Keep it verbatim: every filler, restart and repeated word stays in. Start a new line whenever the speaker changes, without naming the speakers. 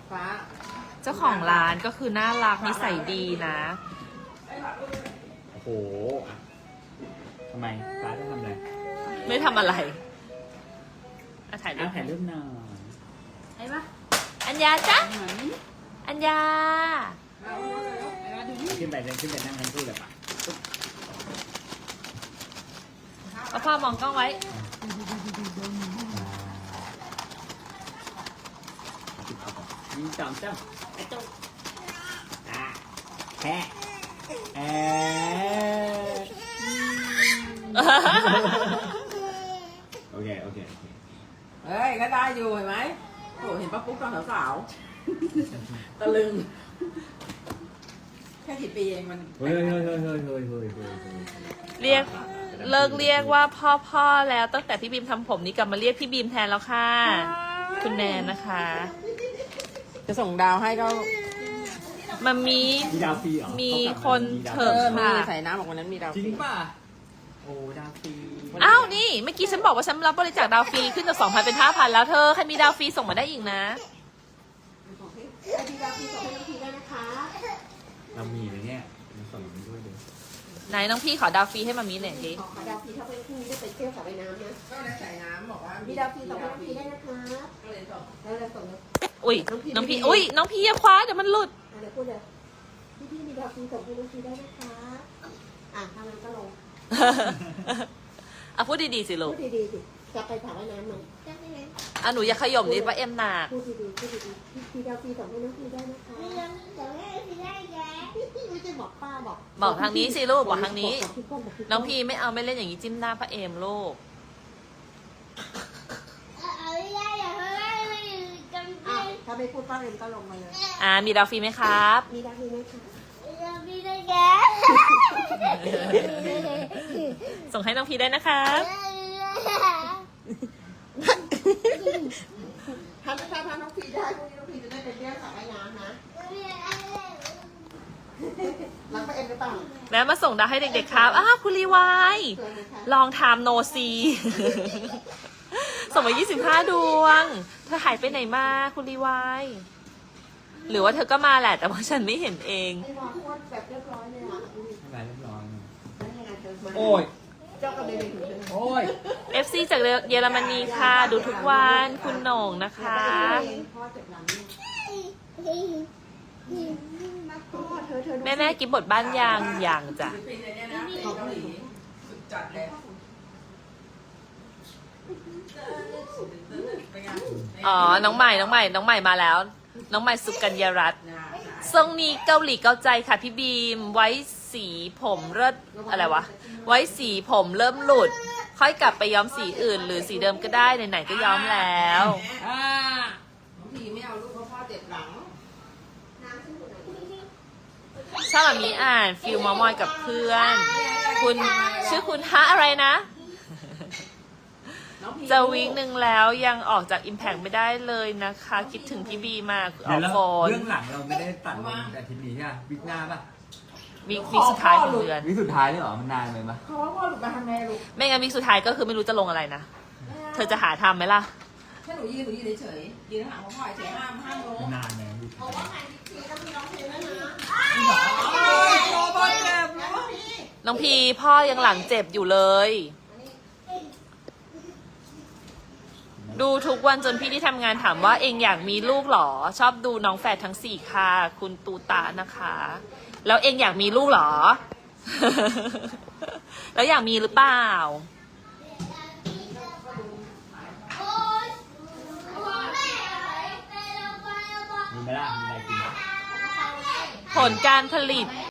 ฟ้า
เจ้าของร้านก็คือน่ารักนิสัยดีนะ
โอ้โหทำไมฟ้าจะทำอะไร
ไม่ทำอะไรอ่ะถ่ายรู
อ้า
ป
วถ่ายรูปหน่อย
ไอ้ปะ
อัญญาจ๊ะอัญญา
เอาเอาเอาเอาดูนี่
ขึ้นไปเลยขึ้นไปนั่งทั้งคู่เลยปะ
เอาพ่อมองกล้องไว้
ยิงสองจ้ำไอ้ตุ๊กอ่ะแค่เออโอเคโอเคโอเค
เฮ้ยก็ได้อยู่เห็นไหมโอ้เห็นป้าปุ๊กตอนสาวๆตะลึงแค่กี่ปีเองมัน
เฮ้ยเฮ้ยเฮ้ยเฮ้ยเฮ้ยเฮ้ยเฮ้ย
เรียกเลิกเรียกว่าพ่อพ่อแล้วตั้งแต่พี่บีมทำผมนี้กลับมาเรียกพี่บีมแทนแล้วค่ะ คุณแนนนะคะ
จะส่งดาวให้ก็
มันมี
มีดาวฟรีเหรอ
มีคน
เอ
เถิบ
อมี
ค่ะ
ใส่น้ำบอกวันนั้นมีดาว
จริงป่ะโอ้ดาวฟรี
อ้าวนี่เมื่อกี้ฉันบอกว่าฉันรับบริจาคดาวฟรีขึ้นจากสองพันเป็นห้าพันแล้วเธอใครมีดาวฟรีส่งมาได้อีกนะ
มีดาวฟรีส่งให้น้องพีได้นะคะ
เรามีเลยเนี่ยมาส่งมันด้วยดิ
ไหนน้องพี่ขอดาวฟรีให้มามีหน่อยสิ
ขอดาวฟรีถ้าเป็นพรุ่งนี้ได้ไปเที่ยวสระว่ายน้ำนะ
ก็เลยใส่น้ำบอกว่า
มี
มี
ดาวฟรีสองพันฟรีได้นะคะ
ก็เลยส่ง
แล้วเราส่งเลย
อุ้ยน้องพี่อุ้ยน้องพี่อย่าคว้าเดี๋ยวมันหลุด
อ่ะเดี๋ยวพูดเลยพี่พี่มีดาวฟรีส่งให้น้องฟรีได้นะคะ อ่ะทางนั้นก็ลง
อ่ะพูดดีๆสิลู
พู
ก
ดดีๆสิจะไปสระว่ายน้ำมันจะไปไหน
อ่ะหนูอย่าขย่มนิดว่าเอ็มหนัก
พูดดีๆพูดดีๆพี่พี่ดาวฟรีส่งให้น้องฟรีได้นะคะมีดาวฟรีส่งให้น้องฟรีได้แย่ไม่ใช่บอกป้าบอก
บอกทางนี้สิลูกบอกทางนี้
บอกพี่ก้บอกพี่ก้
น้องพี่ไม่เอาไม่เล่นอย่างนี้จิ้มหน้าพระเอมลูก
อ่ะถ้าไม่พูดป้าเรนก็ลงมาเลย
อ่ามีดาวฟรีไหมครับ
มีดาวฟรีไหมคะ
ส่งให้น้องพี่ได้นะครับ
ถ้าถ้าถ้าน้องฟรีได้พรุ่งนี้น้องฟรีจะได้ไปเที่ยวสระว่ายน้ำนะรักป้าเอ็มหรือเปล่า
แล้วมาส่งดาวให้เด็กๆครับอ้าวคุณรีวาย
สวยไหมคะ
ลองไทม์โนซีส่งมายี่สิบห้าดวง เธอหายไปไหนมาคุณรีวายหรือว่าเธอก็มาแหละ แต่ว่าฉันไม่เห็นเอง
ไอ้วางโคตรแบบเรียบร้อยเลยอ่ะดูดิ
อะไรเรียบร้อย
แล้วยังไงเธอมา
โอ้ย
เจ้ากระเด็นถึงเลย
โอ้ย
เอฟ ซี จากเยอรมนีค่ะ ดูทุกวันคุณโหน่งนะคะ
พ่อเจ็บหลังนี่พ่อเธอเธอ
แม่แม่กินบทบ้านยางยางจ้ะ
ฟิลิปปินส์เนี่ยนะเกาหลีสุดจัดเลยเป็นไง
อ๋อ น้องใหม่ น้องใหม่ น้องใหม่มาแล้ว น้องใหม่สุกัญญารัตน์
นะ
ทรงนี้เกาหลีเกาใจค่ะพี่บีม ไว้สีผมเลิศอะไรวะ ไว้สีผมเริ่มหลุด ค่อยกลับไปย้อมสีอื่น หรือสีเดิมก็ได้ไหนๆก็ย้อมแล้ว
อ่า
น้องพีไม่เอาลูกเพราะพ่อเจ็บหลัง
ชอบแบบนี้อ่านฟิลมอมอยกับเพื่อน คุณชื่อคุณฮะอะไรนะ
น้องพี
จะวิกหนึ่งแล้วยังออกจาก Impact ไม่ได้เลยนะคะ คิดถึงพี่บีมากอ
เดี๋
อย ก
วเรา
โฟน
เรื่องหลังเราไม่ได้ตัดลงแต่ทีนี้ใช่ไหมวิกหน้าป่ะ
วิกวิกสุดท้ายของเดือน
วิกสุดท้ายเลยเหรอมันนานเลยปะ
เขาว่าพ่อหลุดมาทำไงลูก
ไม่งั้นวิกสุดท้ายก็คือไม่รู้จะลงอะไรนะ เธอจะหาทำไหมล่ะ
ถ้าหนูยืนหนูยืนเฉยๆยืนห่างพ่อเฉยห้ามห้ามลง
นานเลยวิกสุดท้าย
โรบอทเจ็บลูก
น้องพีพ่อยังหลังเจ็บอยู่เลย ดูทุกวันจนพี่ที่ทำงานถามว่าเองอยากมีลูกเหรอ ชอบดูน้องแฝดทั้งสี่ค่ะ คุณตูตานะคะ แล้วเองอยากมีลูกเหรอ แล้วอยากมีหรือเปล่า
มีไหมล่ะมีอะไรกินไหม
ผลการผลิต